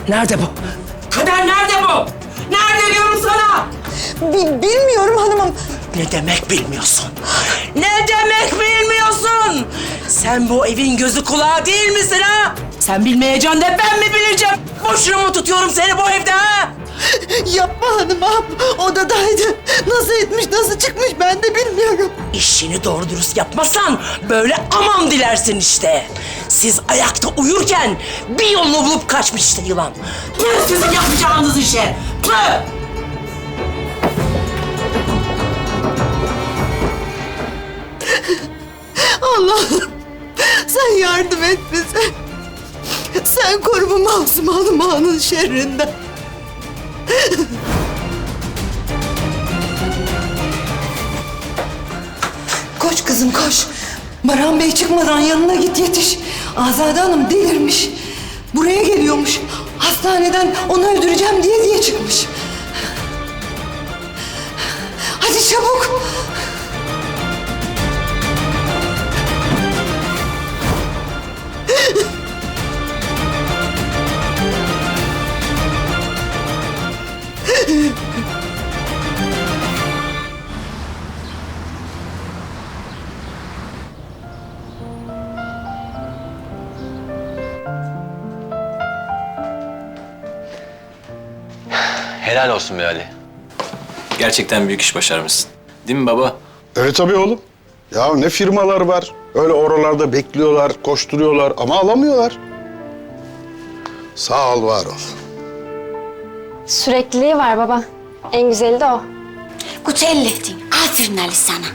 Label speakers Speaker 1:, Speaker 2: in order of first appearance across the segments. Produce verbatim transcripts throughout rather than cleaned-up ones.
Speaker 1: Nerede bu? Kader nerede bu? Nerede diyorum sana?
Speaker 2: Bi- bilmiyorum hanımım.
Speaker 1: Ne demek bilmiyorsun? Ne demek bilmiyorsun? Sen bu evin gözü kulağı değil misin ha? Sen bilmeyeceksin de ben mi bileceğim? Boşuna mı tutuyorum seni bu evde ha?
Speaker 2: Yapma hanımım. Odadaydı. Nasıl etmiş, nasıl çıkmış ben de bilmiyorum.
Speaker 1: İşini doğru dürüst yapmazsan böyle aman dilersin işte. Siz ayakta uyurken bir yolunu bulup kaçmış işte yılan. Tüh sizin yapacağınız işe. Tüh!
Speaker 2: Allah'ım sen yardım et bize. Sen koru bu masum hanımağının şerrinden. Koş kızım koş. Baran Bey çıkmadan yanına git yetiş. Azade Hanım delirmiş. Buraya geliyormuş. Hastaneden onu öldüreceğim diye diye çıkmış. Hadi çabuk.
Speaker 3: Helal olsun be Ali. Gerçekten büyük iş başarmışsın. Değil mi baba?
Speaker 4: Evet tabii oğlum. Ya ne firmalar var. Öyle oralarda bekliyorlar, koşturuyorlar ama alamıyorlar. Sağ ol, var ol.
Speaker 5: Sürekliliği var baba. En güzeli de o.
Speaker 6: Gut ellettin. Aferin Ali sana.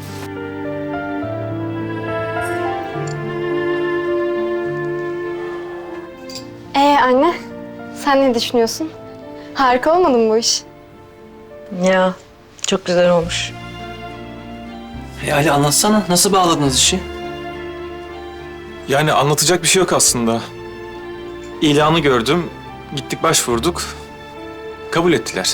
Speaker 5: Ee anne, sen ne düşünüyorsun? Harika olmadı mı bu iş?
Speaker 2: Ya çok güzel olmuş.
Speaker 3: E Ali anlatsana. Nasıl bağladınız işi?
Speaker 7: Yani anlatacak bir şey yok aslında. İlanı gördüm, gittik başvurduk, kabul ettiler.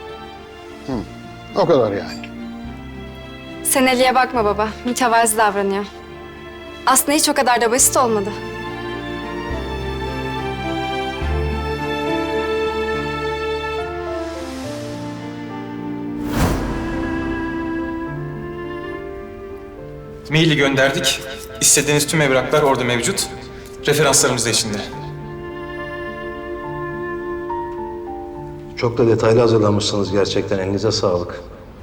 Speaker 4: O kadar yani.
Speaker 5: Sen Ali'ye bakma baba. Mütevazi davranıyor. Aslında hiç o kadar da basit olmadı.
Speaker 7: Maili gönderdik. İstediğiniz tüm evraklar orada mevcut. Referanslarımız da içinde.
Speaker 8: Çok da detaylı hazırlamışsınız gerçekten. Elinize sağlık.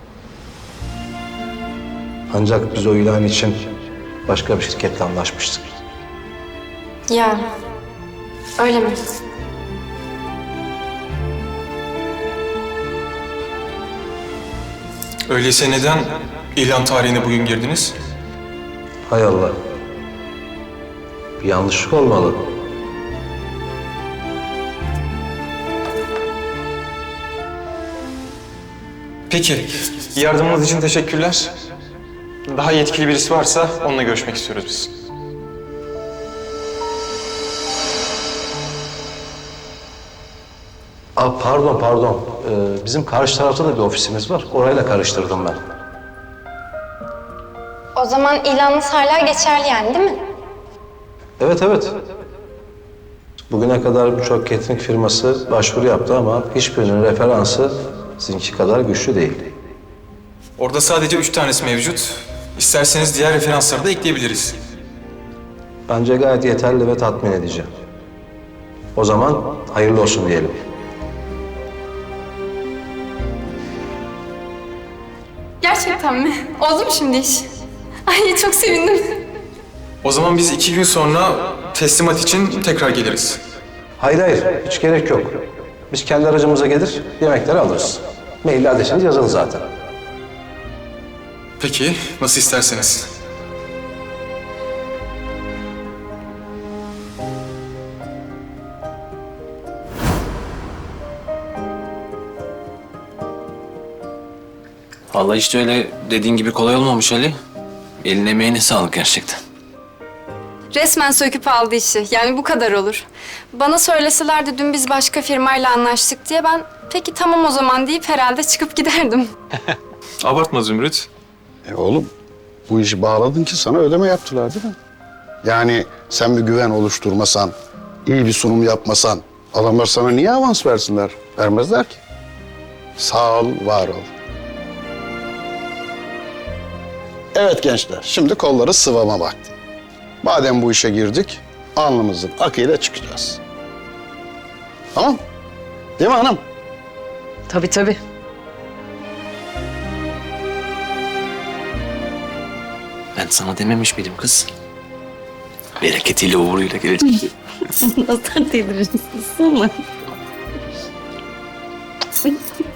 Speaker 8: Ancak biz o ilan için başka bir şirketle anlaşmıştık.
Speaker 5: Ya, öyle mi?
Speaker 7: Öyleyse neden ilan tarihine bugün girdiniz?
Speaker 8: Hay Allah. Bir yanlışlık olmalı.
Speaker 7: Peki, yardımınız için teşekkürler. Daha yetkili birisi varsa onunla görüşmek istiyoruz biz.
Speaker 8: Aa, pardon, pardon. Ee, bizim karşı tarafta da bir ofisimiz var. Orayla karıştırdım ben.
Speaker 5: O zaman ilanınız hala geçerli yani değil mi?
Speaker 8: Evet, evet. Bugüne kadar birçok catering firması başvuru yaptı ama hiçbirinin referansı sizinki kadar güçlü değil.
Speaker 7: Orada sadece üç tanesi mevcut. İsterseniz diğer referansları da ekleyebiliriz.
Speaker 8: Bence gayet yeterli ve tatmin edici. O zaman hayırlı olsun diyelim.
Speaker 5: Gerçekten mi? Oldu mu şimdi iş? Ay çok sevindim.
Speaker 7: O zaman biz iki gün sonra teslimat için tekrar geliriz.
Speaker 8: Hayır hayır, hiç gerek yok. Biz kendi aracımıza gelir, yemekleri alırız. Mail adresiniz yazılı zaten.
Speaker 7: Peki, nasıl isterseniz.
Speaker 3: Vallahi işte öyle dediğin gibi kolay olmamış Ali. Eline emeğine sağlık gerçekten.
Speaker 5: Resmen söküp aldı işi. Yani bu kadar olur. Bana söyleselerdi dün biz başka firmayla anlaştık diye ben peki tamam o zaman deyip herhalde çıkıp giderdim.
Speaker 7: Abartma Zümrüt.
Speaker 4: E oğlum, bu işi bağladın ki sana ödeme yaptılar değil mi? Yani sen bir güven oluşturmasan, iyi bir sunum yapmasan Adamlar sana niye avans versinler? Vermezler ki. Sağ ol, var ol. Evet gençler, şimdi kolları sıvama vakti. Madem bu işe girdik, alnımızın akıyla çıkacağız. Tamam? Değil mi hanım?
Speaker 1: Tabii tabii.
Speaker 3: Ben sana dememiş miydim kız? Bereketiyle uğuruyla gelecek.
Speaker 6: Nasıl delirirsin sana?